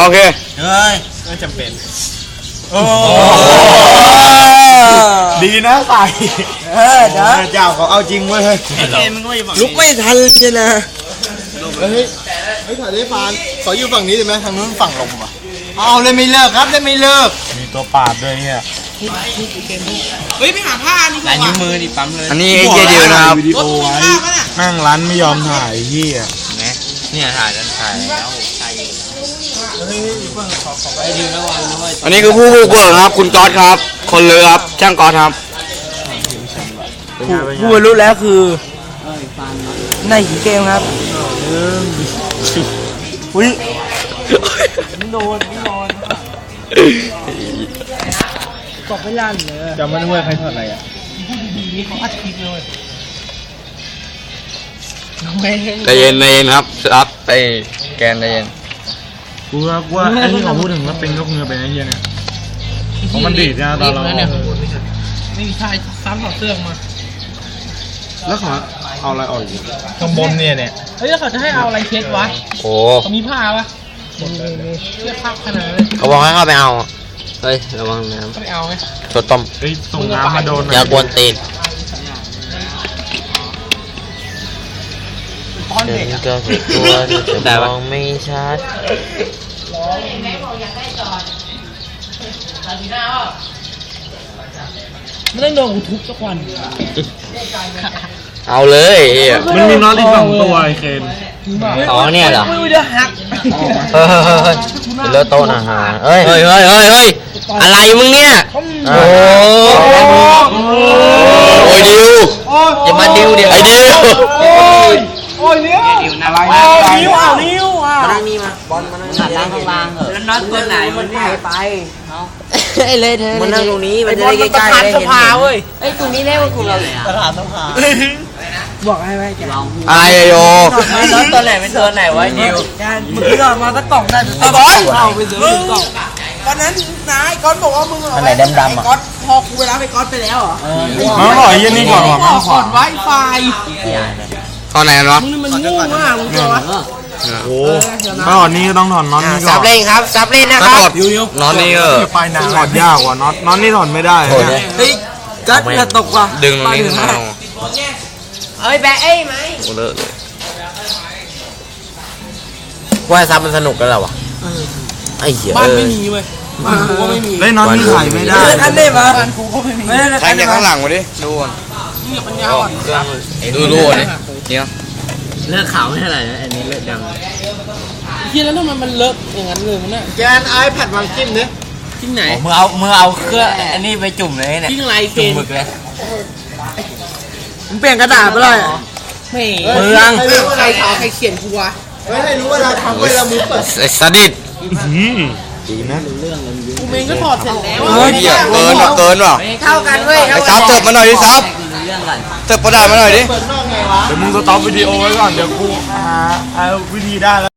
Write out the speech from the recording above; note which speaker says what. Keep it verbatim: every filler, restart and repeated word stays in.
Speaker 1: โอเค
Speaker 2: เฮ้ยไม่จำเป็นโอ้ดีนะใส่เออเดี๋ยวเจ้าเขาเอาจริงเว้ยเฮ้ยลุกไม่ทันเลยนะเฮ้ยเฮ้ยถ่ายได้ฟานขออยู่ฝั่งนี้ได้ไหมทางนู้นฝั่งลมอ่ะเอาเลยไม่เลิกครับเลยไม่เลิกมีตัวปาดด้วยเนี่ย
Speaker 3: เฮ้ยไปหาผ้านี่ก่อนนิ้วมือดิปั๊มเลย
Speaker 1: อันนี้ไอ้เหี้ยเดียวนะครับ
Speaker 3: รถมีผ้าปะเนี่ย
Speaker 2: นั่งร้านไม่ยอมถ่ายเหี้ย
Speaker 3: นะเนี่ยถ่ายแล้วถ่ายแล้วถ่าย
Speaker 1: อันนี้คือผู้บุกเบิกครับคุณก๊อตครับ คนเรือครับช่างก๊อตครับ
Speaker 4: ผู้บรรลุแล้วคือในหีเกมครับอุ้ยโดนโดนกบไม่ลั่นเลย
Speaker 2: จำไม่ได้ว่าใครทอดอะไรอ่ะ
Speaker 4: เขาอัดคลิปเลย
Speaker 1: ใจเย็นใจเย็นครับรับไปแกนใจเย็น
Speaker 2: กูว่ากูว่าไอ้ที่เขาพูดถึงว่าเป็นยกเงือเป็นไอ้เหี้ยเนี่ยเพราะมันดีดนะตอนเรา
Speaker 3: ไม่มีชายซ้ำต่อเสื้อมา
Speaker 2: แล้วเขาเอาอะไรออกอีกข้างบนเนี่ยเนี่ย
Speaker 3: เฮ้ยแล้วเขาจะให้เอาอะไรเช็ดวะ
Speaker 1: โอ้
Speaker 3: เขามีผ้าปะเสื้อผ้าขนาดนั้น
Speaker 1: เขาบอกให้เข้าไปเอาเฮ้ยระวังน้ำ
Speaker 3: ไปเอาไหม
Speaker 1: สดต้ม
Speaker 2: เฮ้ยส่งน้ำมาโดน
Speaker 1: อย่ากวนตีนเดินก็คือตัวแต่มองไม่ชัด
Speaker 3: ไม่ต้องโดนกูทุบสักวัน
Speaker 1: เอาเลย
Speaker 2: มันมีน็อตอีกสองตัวไอ้เคน
Speaker 1: อ๋อเนี่ยเหรอ
Speaker 3: ไม่ได้หัก
Speaker 1: เฮ้ยเฮ้ยเลิศโตนะฮะเฮ้ยเฮ้ยเฮ้ยเฮ้ยเฮ้ยอะไรมึงเนี่ยโอ้โอ้ยดิวอย่ามาดิวเดี๋ยวไอ้ดิว
Speaker 3: โอ้ยนิ้วนิ้วอะไรนิ้วอ่ะนิ้วอ่ะ
Speaker 4: มานั่งนี่มาบอลมานั่งนี่ล้างล้างเหรอ
Speaker 3: แล้วน็อตตัวไหนมัน
Speaker 4: หายไปไอ้เลยเธอมานั่งตรงนี้มันจะได้ใกล้ๆได้เห็น
Speaker 3: เว้ย
Speaker 4: ไอ้ตรงนี้เรียกว่ากูเรา
Speaker 2: ประธานสภา
Speaker 4: บอกให้ไว้แก
Speaker 1: อะไรโย
Speaker 3: น็อตตัวไหนเป็นตัวไหนวะนิ้ว
Speaker 4: มึงหลอดมาสักกล่องได้
Speaker 3: ตะบอย
Speaker 4: เอาไปซื้อกล่อง
Speaker 3: ตอนนั้นนายก๊อตบอกว่ามึง
Speaker 4: อะไรดำๆอ่ะ
Speaker 3: ก๊อตพอกูไปรับไอ้ก๊อตไปแล้วเหรอ
Speaker 2: มาหน่อยยันนี่ก่อนว่ะ
Speaker 3: มาขอดไวไฟ
Speaker 1: ตอนไหนวะ
Speaker 3: มึงมันงูมากมึงตัว
Speaker 2: โอ้ถ้าถอดนี่ก็ต้องถอดน็อตนี่ก่อน
Speaker 4: ซับเล่นครับซับเล่นนะครับ
Speaker 1: น็อตนี่เออ
Speaker 2: ไปนานถอดยากกว่าน็อตน็อตนี่ถอดไม่ได้
Speaker 4: เฮ้ยกัดกระตกว่ะ
Speaker 1: ดึงตรงนี้ขึ้นมา
Speaker 4: เอ้ยแบะเอ้ยไหม
Speaker 1: โอ้เลอะเลยว่าซับมันสนุกกันแล้ววะไอ้เหี้ย
Speaker 3: บ้านไม่มีเว้ยบ้านกูก็ไม่มี
Speaker 2: เล่นน็อตนี่ถ่ายไม่ได้
Speaker 4: อันนี้มา
Speaker 3: บ้านกูก็ไม่มี
Speaker 1: ใครจากข้างหลังมาดิดูก่อนดูดูนี่เนี่ย
Speaker 4: เลือกขาวไม่เท่าไหร่นะอันนี้เลือกด
Speaker 3: ำทีแล้วทำไมมันเลอะอย่างนั้นเลยมันน่ะ
Speaker 2: แกนไอแพดวางจิ้มเนี่ย
Speaker 3: จิ้มไหน
Speaker 4: มือเอามือเอาเครื่องอันนี้ไปจุ่มเลยเนี่ย
Speaker 3: จิ้มอะไรเกน
Speaker 4: หมึกเลยมึงเปลี่ยนกระดาษไปเลย
Speaker 3: ไม่
Speaker 4: เมือง
Speaker 3: ใครขาวใครเขียนกูวะ
Speaker 2: ไม่ให้รู้ว่าเราทำเวลามือเปิด
Speaker 1: ไอ้สดิด
Speaker 2: ดีนะ
Speaker 3: กูเมงก็ถอดเสร็จแล้ว
Speaker 1: เฮ้ยเกินว่ะเกินว่ะ
Speaker 4: เข้ากันเว้ย
Speaker 1: ไอ้ซับเติบมาหน่อยดิซับเติบกระดาษมาหน่อยดิ
Speaker 2: เดี๋ยวมึงสต็อปวิดีโอไว้ก่อนเดี๋ยวกูหาเอาวิธีได้แล้ว